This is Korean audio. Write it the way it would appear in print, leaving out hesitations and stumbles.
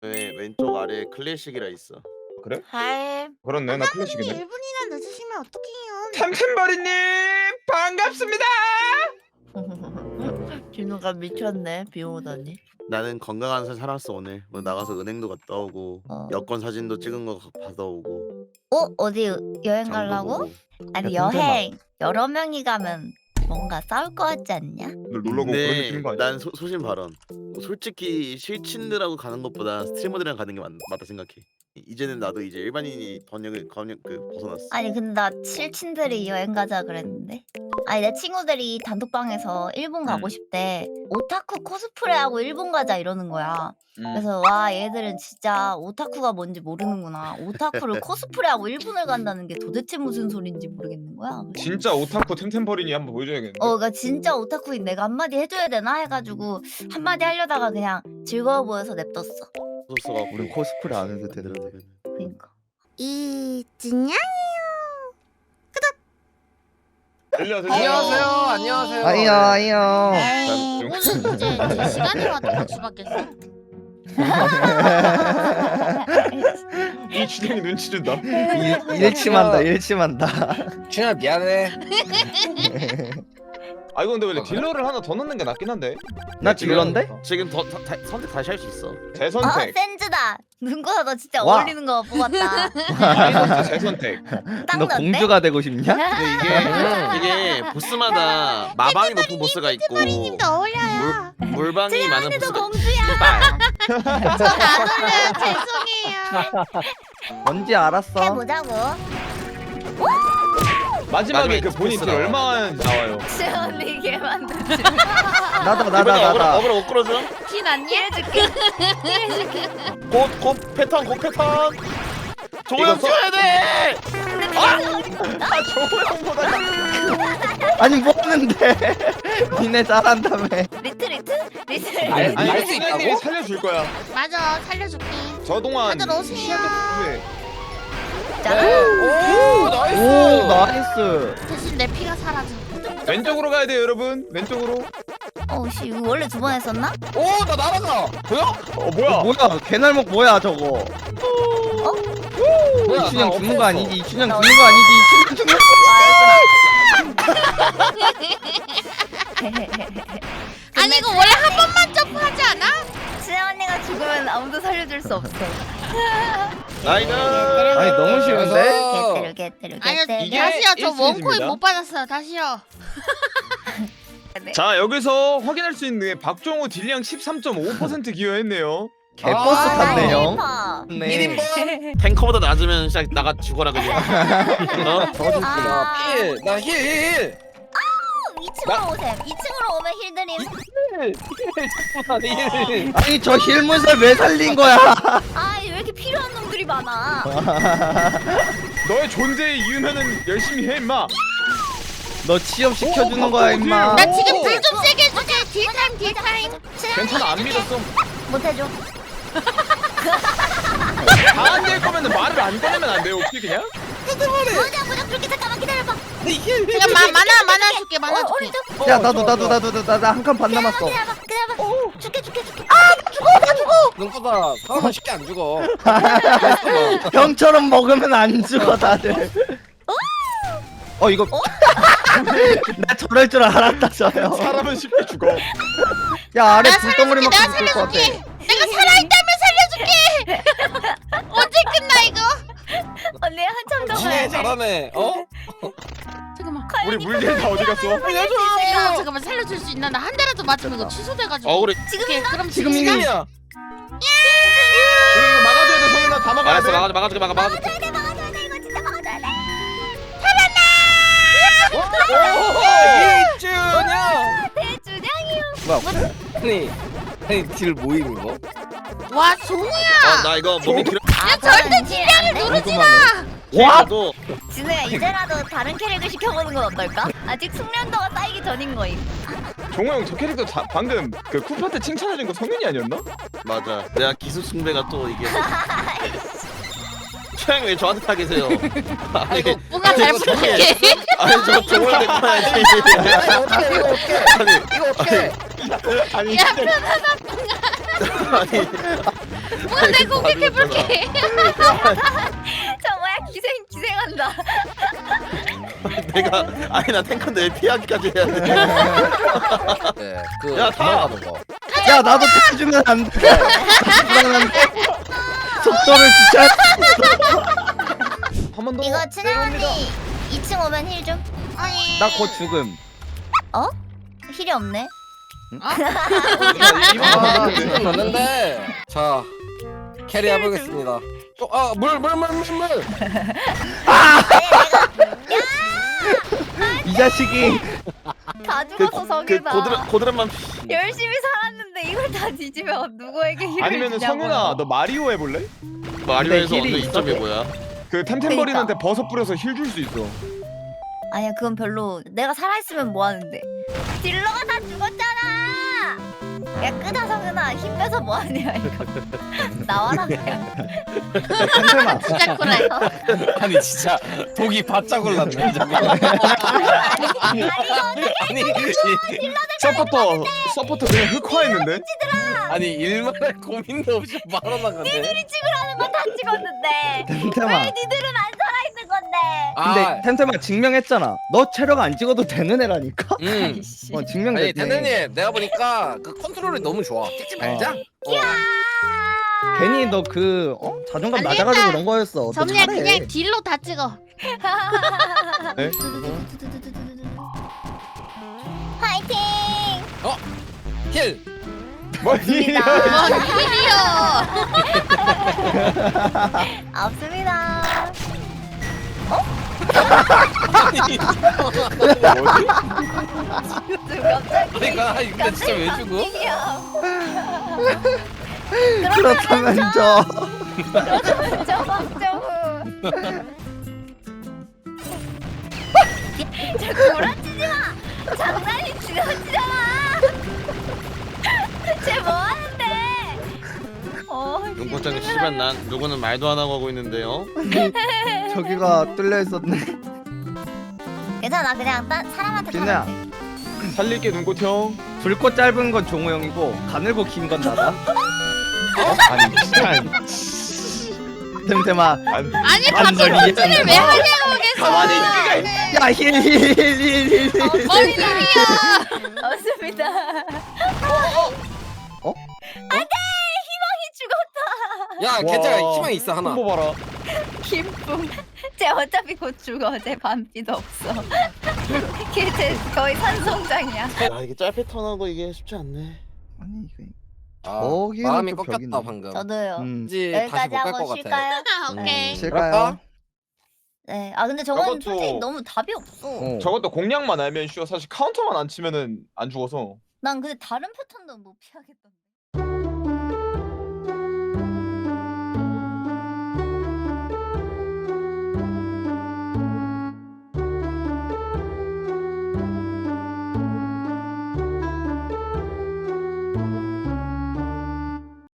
왼쪽 아래에 클래식이라 있어. 그래? 하이. 그렇네, 나 클래식이네. 1분이나 늦으시면 어떡해요? 템템버리님 반갑습니다. 진우가 미쳤네. 비 오더니. 나는 건강한 삶 살았어 오늘. 뭐 나가서 은행도 갔다 오고 여권 사진도 찍은 거 받아오고. 어디 여행 장도 가려고? 보고. 아니 야, 여행 여러 명이 가면 뭔가 싸울 것 같지 않냐? 늘 놀러 가고 그런 느낌인 거 아니야? 난 소신 발언. 솔직히 실친들하고 가는 것보다 스트리머들이랑 가는 게 맞다 생각해. 이제는 나도 이제 일반인이 번역을 벗어났어. 아니 근데 나 칠친들이 여행 가자 그랬는데. 아니 내 친구들이 단톡방에서 일본 가고 싶대. 오타쿠 코스프레하고 일본 가자 이러는 거야. 그래서 와 얘들은 진짜 오타쿠가 뭔지 모르는구나. 오타쿠를 코스프레하고 일본을 간다는 게 도대체 무슨 소린지 모르겠는 거야. 그래서 진짜 오타쿠 템템버리니 한번 보여줘야겠네. 그러니까 진짜 오타쿠인 내가 한마디 해줘야 되나 해가지고 한마디 하려다가 그냥 즐거워 보여서 냅뒀어. 소스가 우리 코스프레 안 해도 되는데. 그러니까. 이진양? 안녕하세요. 안녕하세요. 아이요. 에이, 오늘 이제 제 시간이 와도 같이 받겠어? 이 주댕이 눈치 준다. 일침한다. 준아 미안해. 아 이거 근데 원래 딜러를 하나 더 넣는 게 낫긴 한데. 나 딜러인데? 지금 선택 다시 할 수 있어. 재선택. 센즈다. 눈보다 너 진짜 와. 어울리는 거 뽑았다. 마이너스 재선택. 딱 너 넣었네? 공주가 되고 싶냐? 근데 이게 보스마다 마방이 높은 보스가 있고 님도 어울려요. 물방이 많은 너 보스가 공주야. 있다. 전안 어울려요. 죄송해요. 뭔지 알았어. 해보자고. 마지막에 마지막에 그 본인 딜 보스가 얼마 나와요? 시원이 걔 만들지. 나다. 어그로 못 끌어줘. 티 났니? 해줄게. 곧 패턴 조용 이거 써야 돼. 조호영보다 아니 뭐 하는데? 니네 잘한다며. 리트? 아니, 아니 알수 수현님이 있다고? 살려줄 거야. 맞아, 살려줄게. 저 동안 다들 오세요. 시야도 필요해. 오 나이스. 오 나이스. 대신 내 피가 사라져. 왼쪽으로 가야 돼요 여러분. 왼쪽으로. 어씨 이거 원래 두 번 했었나? 오나 날아가. 보여? 뭐야? 뭐야? 개날목 뭐야 저거? 뭐야? 이춘영 나 죽는 거 없애졌어. 아니지? 이춘영 죽는 거 아니지? 이춘영 죽는 거. 아니 이거 원래 한 번만 점프하지 않아? 수영 언니가 죽으면 아무도 살려줄 수 없어. 나이스. 아니 너무 쉬운데? 개테르. 아니요, 이게 다시요. 저 1시즌입니다. 원코인 못 받았어요. 다시요. 자 여기서 확인할 수 있는 게 박종호 딜량 13.5% 기여했네요. 개버스 아, 탔네요. 네. 1인분. 탱커보다 낮으면 진짜 나가 죽어라 그냥. 어? 아. 나 힐. 2층으로 오셈. 2층으로 오면 힐드림. 아니 저 힐문설 왜 살린 거야? 아, 왜 이렇게 필요한 놈들이 많아? 너의 존재의 이유면은 열심히 해 임마. 너 취업 시켜주는 거야 임마. 나 지금 불 좀 세게 해줄게. 딜타임. 괜찮아 안 믿었어. 못해줘. 다 안 될 거면은 말을 안 꺼내면 안 돼요 혹시 그냥? 뭐냐 그렇게 잠깐만 기다려봐. 그냥 만화 줄게. 만화 줄게. 야 나도 나 한 칸 반 남았어. 기다려봐. 줄게. 눈보다 사람은 쉽게 안 죽어. 형처럼 먹으면 안 죽어 다들. 이거 나 저럴 줄 알았다 저요. 사람은 쉽게 죽어. 야 아래 내가 불덩어리 살려줄게. 맞고 죽을 것 같아. 내가 살아있다면 살려줄게. 언제 끝나 이거? 언니 한참 더 지네 가야 돼. 잘하네. 잠깐만. 우리 물질 다 어디 갔어? 잠깐만 살려줄 수 있나? 나 한 대라도 맞으면 이거 취소돼가지고. 억울해. 오케이, 그럼 지금 지금 이미 지금이야. 이거 막아줘야 돼 성윤아 다 막아야 알았어 돼. 막아줄게. 막아줘야 돼 이거 진짜 막아줘야 돼. 이준영. 대주장이요. 아니 딜 모임 이거? 와 종우야. 나 이거 몸이 길어. 아 절대 딜량을 누르지 마. 와. 진우야 이제라도 다른 캐릭을 시켜보는 건 어떨까? 아직 숙련도가 쌓이기 전인 거임. 종호 형 저 캐릭터 방금 그 쿠파 때 칭찬해준 거 성윤이 아니었나? 맞아. 내가 기술 숭배가 또 이게. 최양 왜 저한테 타계세요? 아니 뭔가 잘 부탁해. 아니 저 종호를 데리고 와야지. 이거 어떻게? 아니 야 아니 누가 내 공격해볼게. 저 뭐야 기생한다. 내가 아니 나 탱커인데 왜 피하기까지 해야 돼? 네, 그 야, 타! 도망가는 거. 야 나도 타주면 안 돼. 불안한데. 속도를 주차. 한 번 더. 이거 춘향 언니 2층 오면 힐 좀. 아니. 나 곧 죽음. 힐이 없네. 이분 넣는데. 자, 캐리 해보겠습니다. 물. 이 자식이. 다 죽어서 성유다. 고드름만 열심히 살았는데 이걸 다 뒤지면 누구에게 힐을 아니면은 주냐고요. 성윤아 너 마리오 해볼래? 마리오에서 힐이 얻는 있어. 이점이 뭐야? 그 템템버린한테 버섯 뿌려서 힐 줄 수 있어. 아니야 그건 별로. 내가 살아있으면 뭐하는데. 딜러가 다 죽었잖아. 야 끄다 성윤아 힘 빼서 뭐하냐 이거. 나와라 그냥. 템템아. 진짜 쿨해. 아니 진짜 독이 바짝 올랐네. 아니 서포터 그냥 흑화했는데? 아니 일말의 고민도 없이 말아나가네. 니들이 찍으라는 건 다 찍었는데 템템아. 왜 니들은 안 살아있는 건데. 근데 템템아 증명했잖아. 너 체력 안 찍어도 되는 애라니까. 아이씨. 아니 증명됐네. 대느님 내가 보니까 그 컨트롤이 너무 좋아. 찍지 말자. 괜히 너 그 자존감 안 낮아가지고 되겠다. 그런 거였어. 너 점리야 잘해. 그냥 딜로 다 찍어. 네? 파이팅. 힐. 뭐 없습니다. 힐이요. 없습니다. 갑자기. 그러니까 이거 진짜 왜 죽어? 그렇다면 저. 그렇다면 저 박정우. 저 구라치지 마. 장난이 지나치잖아. 쟤 뭐 하는데? 눈꽃장님 씨발 난 누구는 말도 안 하고 있는데요. 저기가 뚫려 있었네. 괜찮아 그냥 딴 사람한테 진우야. 타면 돼. 살릴게 눈꽃 형. 붉고 짧은 건 종호 형이고 가늘고 긴 건 나다. 아니 진짜. 템템아. 아니 완전 갑자기 이해가 펀치를 왜 하냐고 계속. 가만히 야 힐. 뭔 일이야. 없습니다. 안돼 희망이 죽었다. 야 괜찮아 희망 있어 하나. 한번 봐라. 김풍. 쟤 어차피 곧 죽어. 쟤 반피도 없어. 걔 거의 산성장이야. 아 이게 짤 패턴하고 이게 쉽지 않네. 아니 이게. 아, 저기는 마음이 또 꺾였다 벽이네. 방금. 저도요. 이제 다시 여기까지 못 갈 하고 것 같아. 쉴까요? 아, 오케이. 쉴까요? 네. 아 근데 저건 저것도- 솔직히 너무 답이 없어. 저것도 공략만 알면 쉬워. 사실 카운터만 안 치면은 안 죽어서. 난 근데 다른 패턴도 못 피하겠던데.